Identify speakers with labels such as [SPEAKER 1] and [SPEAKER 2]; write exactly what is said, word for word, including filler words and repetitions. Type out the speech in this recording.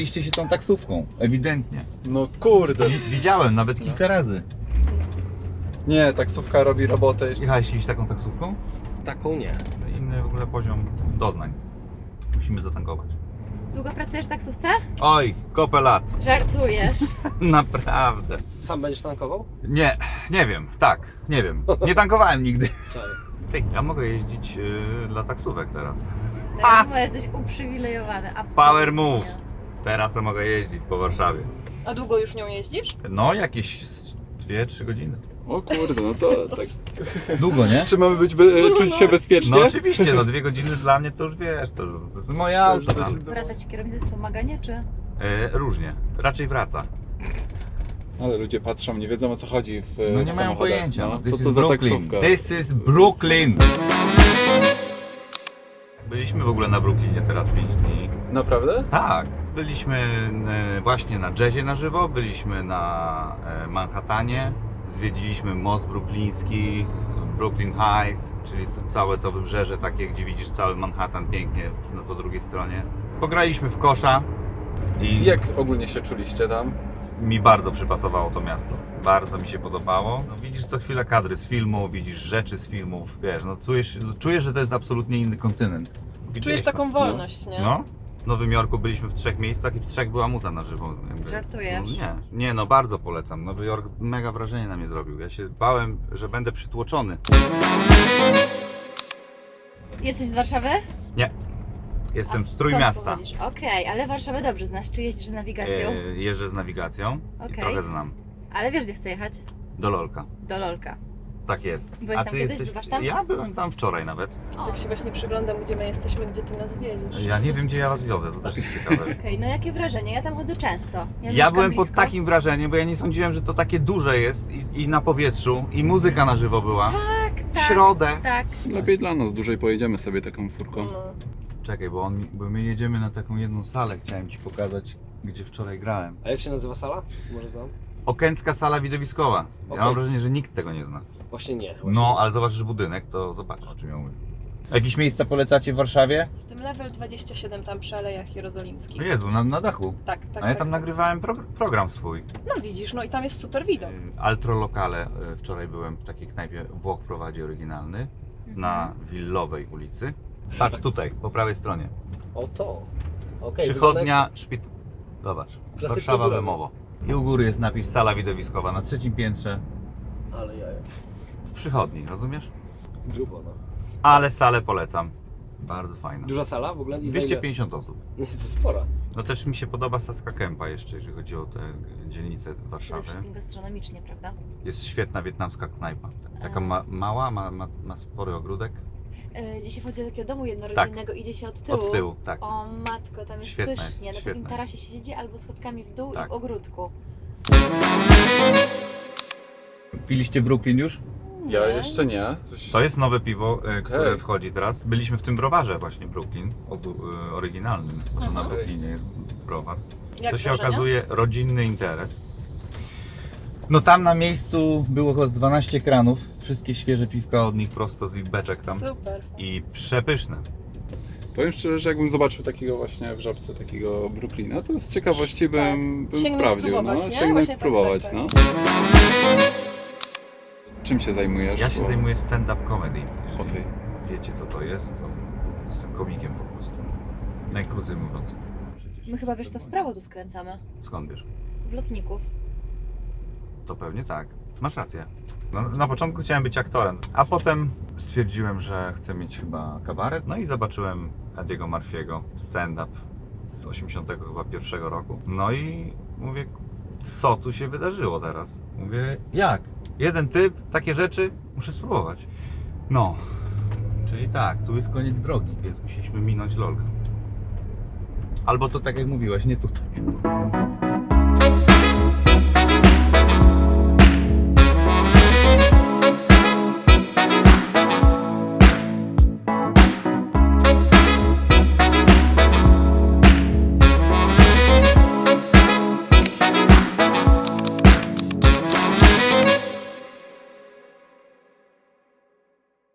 [SPEAKER 1] Jechaliście się tą taksówką, ewidentnie.
[SPEAKER 2] No kurde.
[SPEAKER 1] Wi- Widziałem nawet kilka razy.
[SPEAKER 2] Nie, taksówka robi robotę.
[SPEAKER 1] Jechałeś kiedyś taką taksówką?
[SPEAKER 3] Taką nie.
[SPEAKER 1] Inny w ogóle poziom doznań. Musimy zatankować.
[SPEAKER 4] Długo pracujesz w taksówce?
[SPEAKER 1] Oj, kopę lat.
[SPEAKER 4] Żartujesz.
[SPEAKER 1] Naprawdę.
[SPEAKER 3] Sam będziesz tankował?
[SPEAKER 1] Nie, nie wiem, tak, nie wiem. Nie tankowałem nigdy.
[SPEAKER 3] Czaj.
[SPEAKER 1] Ty, ja mogę jeździć yy, dla taksówek teraz.
[SPEAKER 4] Teraz bo jesteś uprzywilejowany, absolutnie.
[SPEAKER 1] Power move. Teraz ja mogę jeździć po Warszawie.
[SPEAKER 5] A długo już nią jeździsz?
[SPEAKER 1] No, jakieś dwie trzy godziny.
[SPEAKER 2] O kurde, no to tak.
[SPEAKER 1] Długo, nie?
[SPEAKER 2] Czy mamy być, be, czuć się bezpiecznie?
[SPEAKER 1] No oczywiście, no dwie godziny dla mnie to już wiesz, to, to jest moje auto tam.
[SPEAKER 4] Wraca ci kierownica z wspomagania, czy?
[SPEAKER 1] E, różnie, raczej wraca.
[SPEAKER 2] Ale ludzie patrzą, nie wiedzą o co chodzi w
[SPEAKER 1] No nie
[SPEAKER 2] w
[SPEAKER 1] mają
[SPEAKER 2] samochodach.
[SPEAKER 1] pojęcia.
[SPEAKER 2] No,
[SPEAKER 1] This
[SPEAKER 2] co
[SPEAKER 1] is
[SPEAKER 2] to za
[SPEAKER 1] Brooklyn.
[SPEAKER 2] taksówka?
[SPEAKER 1] This is Brooklyn. Byliśmy w ogóle na Brooklynie teraz pięć dni.
[SPEAKER 2] Naprawdę?
[SPEAKER 1] Tak, byliśmy e, właśnie na jazzie na żywo, byliśmy na e, Manhattanie, zwiedziliśmy most brookliński, Brooklyn Heights, czyli to, całe to wybrzeże takie, gdzie widzisz cały Manhattan pięknie no, po drugiej stronie. Pograliśmy w kosza i
[SPEAKER 2] Jak ogólnie się czuliście tam?
[SPEAKER 1] mi bardzo przypasowało to miasto. Bardzo mi się podobało. No, widzisz co chwilę kadry z filmu, widzisz rzeczy z filmów, wiesz, no czujesz, czujesz że to jest absolutnie inny kontynent.
[SPEAKER 5] Czujesz
[SPEAKER 1] Widziałeś
[SPEAKER 5] taką
[SPEAKER 1] to?
[SPEAKER 5] wolność, nie?
[SPEAKER 1] No. W Nowym Jorku byliśmy w trzech miejscach i w trzech była muza na żywo. Jakby.
[SPEAKER 4] Żartujesz?
[SPEAKER 1] No, nie, nie, no bardzo polecam. Nowy Jork mega wrażenie na mnie zrobił. Ja się bałem, że będę przytłoczony.
[SPEAKER 4] Jesteś z Warszawy?
[SPEAKER 1] Nie. Jestem
[SPEAKER 4] A
[SPEAKER 1] z Trójmiasta.
[SPEAKER 4] skąd pochodzisz? Okej, ale Warszawę dobrze znasz. Czy jeździsz z nawigacją?
[SPEAKER 1] E, jeżdżę z nawigacją i
[SPEAKER 4] Okej.
[SPEAKER 1] trochę znam.
[SPEAKER 4] Ale wiesz, gdzie chcę jechać?
[SPEAKER 1] Do Lolka.
[SPEAKER 4] Do Lolka.
[SPEAKER 1] Tak jest.
[SPEAKER 4] Byłeś tam kiedyś? Bywasz tam?
[SPEAKER 1] Ja byłem tam wczoraj nawet.
[SPEAKER 4] O.
[SPEAKER 5] Tak się właśnie przyglądam, gdzie my jesteśmy, gdzie ty nas wiedziesz.
[SPEAKER 1] Ja nie wiem, gdzie ja was wiozę, to też jest ciekawe.
[SPEAKER 4] Okej, no jakie wrażenie? Ja tam chodzę często. Ja,
[SPEAKER 1] Ja
[SPEAKER 4] mieszkam
[SPEAKER 1] byłem
[SPEAKER 4] blisko.
[SPEAKER 1] pod takim wrażeniem, bo ja nie sądziłem, że to takie duże jest i, i na powietrzu, i muzyka na żywo była.
[SPEAKER 4] Tak,
[SPEAKER 1] W
[SPEAKER 4] tak.
[SPEAKER 1] środę.
[SPEAKER 4] Tak.
[SPEAKER 2] Lepiej dla nas, dłużej pojedziemy sobie taką furką.
[SPEAKER 5] No.
[SPEAKER 1] Czekaj, bo, on, mi- bo my jedziemy na taką jedną salę, chciałem ci pokazać, gdzie wczoraj grałem.
[SPEAKER 3] A jak się nazywa sala? Może znam?
[SPEAKER 1] Okęcka sala widowiskowa. Ja
[SPEAKER 3] Okej.
[SPEAKER 1] mam wrażenie, że nikt tego nie zna.
[SPEAKER 3] Właśnie nie. Właśnie.
[SPEAKER 1] No, ale zobaczysz budynek, to zobaczysz, o czym ja mówię. Jakieś miejsca polecacie w Warszawie?
[SPEAKER 5] W tym level dwadzieścia siedem tam przy Alejach Jerozolimskich.
[SPEAKER 1] O Jezu, na, na dachu.
[SPEAKER 5] Tak, tak.
[SPEAKER 1] A ja
[SPEAKER 5] tak,
[SPEAKER 1] tam
[SPEAKER 5] tak.
[SPEAKER 1] nagrywałem pro, program swój.
[SPEAKER 5] No widzisz, no i tam jest super widok.
[SPEAKER 1] Y, Altro Locale. y, Wczoraj byłem w takiej knajpie, Włoch prowadzi oryginalny, na Willowej ulicy. Patrz tutaj, po prawej stronie.
[SPEAKER 3] O to. Okej.
[SPEAKER 1] Przychodnia, szpit... Zobacz,
[SPEAKER 3] Klasyczny
[SPEAKER 1] Warszawa
[SPEAKER 3] górowiec.
[SPEAKER 1] Bemowo. I u góry jest napis sala widowiskowa na trzecim piętrze
[SPEAKER 3] wygląda- Ale jaja.
[SPEAKER 1] w przychodni, rozumiesz?
[SPEAKER 3] Grubo, no.
[SPEAKER 1] Ale salę polecam. Bardzo fajna.
[SPEAKER 3] Duża sala w ogóle? I
[SPEAKER 1] dwieście pięćdziesiąt osób.
[SPEAKER 3] Nie, to spora.
[SPEAKER 1] No też mi się podoba Saska Kępa jeszcze, jeżeli chodzi o te dzielnice
[SPEAKER 4] Przede
[SPEAKER 1] Warszawy.
[SPEAKER 4] wszystkim gastronomicznie, prawda?
[SPEAKER 1] Jest świetna wietnamska knajpa. Taka ma, mała, ma, ma, ma spory ogródek.
[SPEAKER 4] Yy, gdzie się wchodzi do takiego domu jednorodzinnego, idzie się od tyłu.
[SPEAKER 1] Od tyłu, tak.
[SPEAKER 4] O matko, tam jest
[SPEAKER 1] Świetna
[SPEAKER 4] pysznie.
[SPEAKER 1] jest,
[SPEAKER 4] Na takim
[SPEAKER 1] świetna
[SPEAKER 4] tarasie się siedzi albo schodkami w dół
[SPEAKER 1] Tak.
[SPEAKER 4] i w ogródku.
[SPEAKER 1] Piliście Brooklyn już?
[SPEAKER 2] Ja jeszcze nie. Coś...
[SPEAKER 1] To jest nowe piwo, e, które
[SPEAKER 2] Okej.
[SPEAKER 1] wchodzi teraz. Byliśmy w tym browarze właśnie Brooklyn, obu, e, oryginalnym, bo to na
[SPEAKER 5] Mhm.
[SPEAKER 1] Brooklynie jest browar.
[SPEAKER 5] Jak
[SPEAKER 1] Co się
[SPEAKER 5] wrażenia?
[SPEAKER 1] okazuje rodzinny interes. No tam na miejscu było chyba z dwanaście kranów, wszystkie świeże piwka od nich prosto z ich beczek tam.
[SPEAKER 5] Super.
[SPEAKER 1] I przepyszne.
[SPEAKER 2] Powiem szczerze, że jakbym zobaczył takiego właśnie w żabce, takiego Brooklyna, to z ciekawości bym, bym
[SPEAKER 5] Sięgnąć
[SPEAKER 2] sprawdził.
[SPEAKER 5] spróbować,
[SPEAKER 2] No,
[SPEAKER 5] nie?
[SPEAKER 2] sięgnąć
[SPEAKER 5] Właśnie tak,
[SPEAKER 2] spróbować,
[SPEAKER 5] tak,
[SPEAKER 2] no. Czym się zajmujesz?
[SPEAKER 1] Ja się
[SPEAKER 2] Bo-
[SPEAKER 1] zajmuję stand-up comedy. Jeżeli
[SPEAKER 2] Okej.
[SPEAKER 1] wiecie co to jest, to jestem komikiem po prostu. Najkrócej mówiąc.
[SPEAKER 4] My chyba, wiesz co, w prawo tu skręcamy.
[SPEAKER 1] Skąd wiesz?
[SPEAKER 4] W Lotników.
[SPEAKER 1] To pewnie tak. Masz rację. No, na początku chciałem być aktorem, a potem stwierdziłem, że chcę mieć chyba kabaret. No i zobaczyłem Ediego Murphy'ego stand-up z osiemdziesiątego chyba pierwszego roku. No i mówię, co tu się wydarzyło teraz? Mówię, jak? Jeden typ, takie rzeczy, muszę spróbować. No, czyli tak, tu jest koniec drogi, więc musieliśmy minąć Lolka. Albo to tak jak mówiłaś, nie tutaj.